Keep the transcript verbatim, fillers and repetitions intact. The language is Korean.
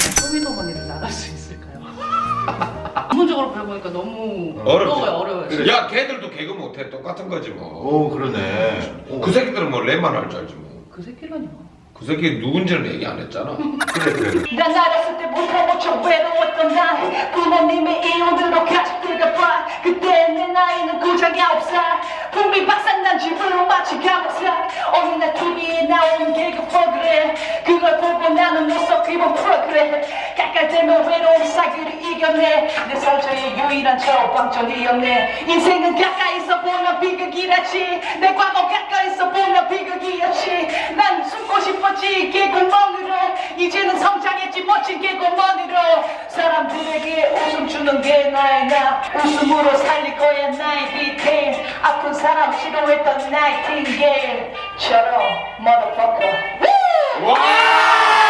쇼미더머니를 나갈 수 있을까요? 기본적으로 배워보니까 너무 어렵지. 어려워요, 어려워요. 야, 걔들도 개그 못해. 똑같은 거지 뭐. 오 그러네. 오. 그 새끼들은 뭐 랩만 할 줄 알지 뭐. 그 새끼라뇨. 그 새끼 누군지는 얘기 안 했잖아. 그래 그래. 난 어렸을 때부터 무척 외로웠던 날 부모님의 이혼으로 가족들과 봐 그때 내 나이는 고작 아홉 살 분비 박살난 집으로 마치 감옥살 어린날 티비에 나오는 개그 프로그램 그걸 보고 나는 눈썹 기분 프로그램 깎아대면 외로운 사기를 이겨내 내 상처의 유일한 처방전이었네 인생은 가까이서 보면 비극이라지 내 과거 가까이서 보면 비극이었지 난 숨고 싶었지 개구멍으로 이제는 성장했지 멋진 개구멍으로 사람들에게 웃음 주는 게 나의 나 웃음으로 살릴 거야 나의 디테일 아픈 사람 싫어했던 나이팅게일처럼 motherfucker 와!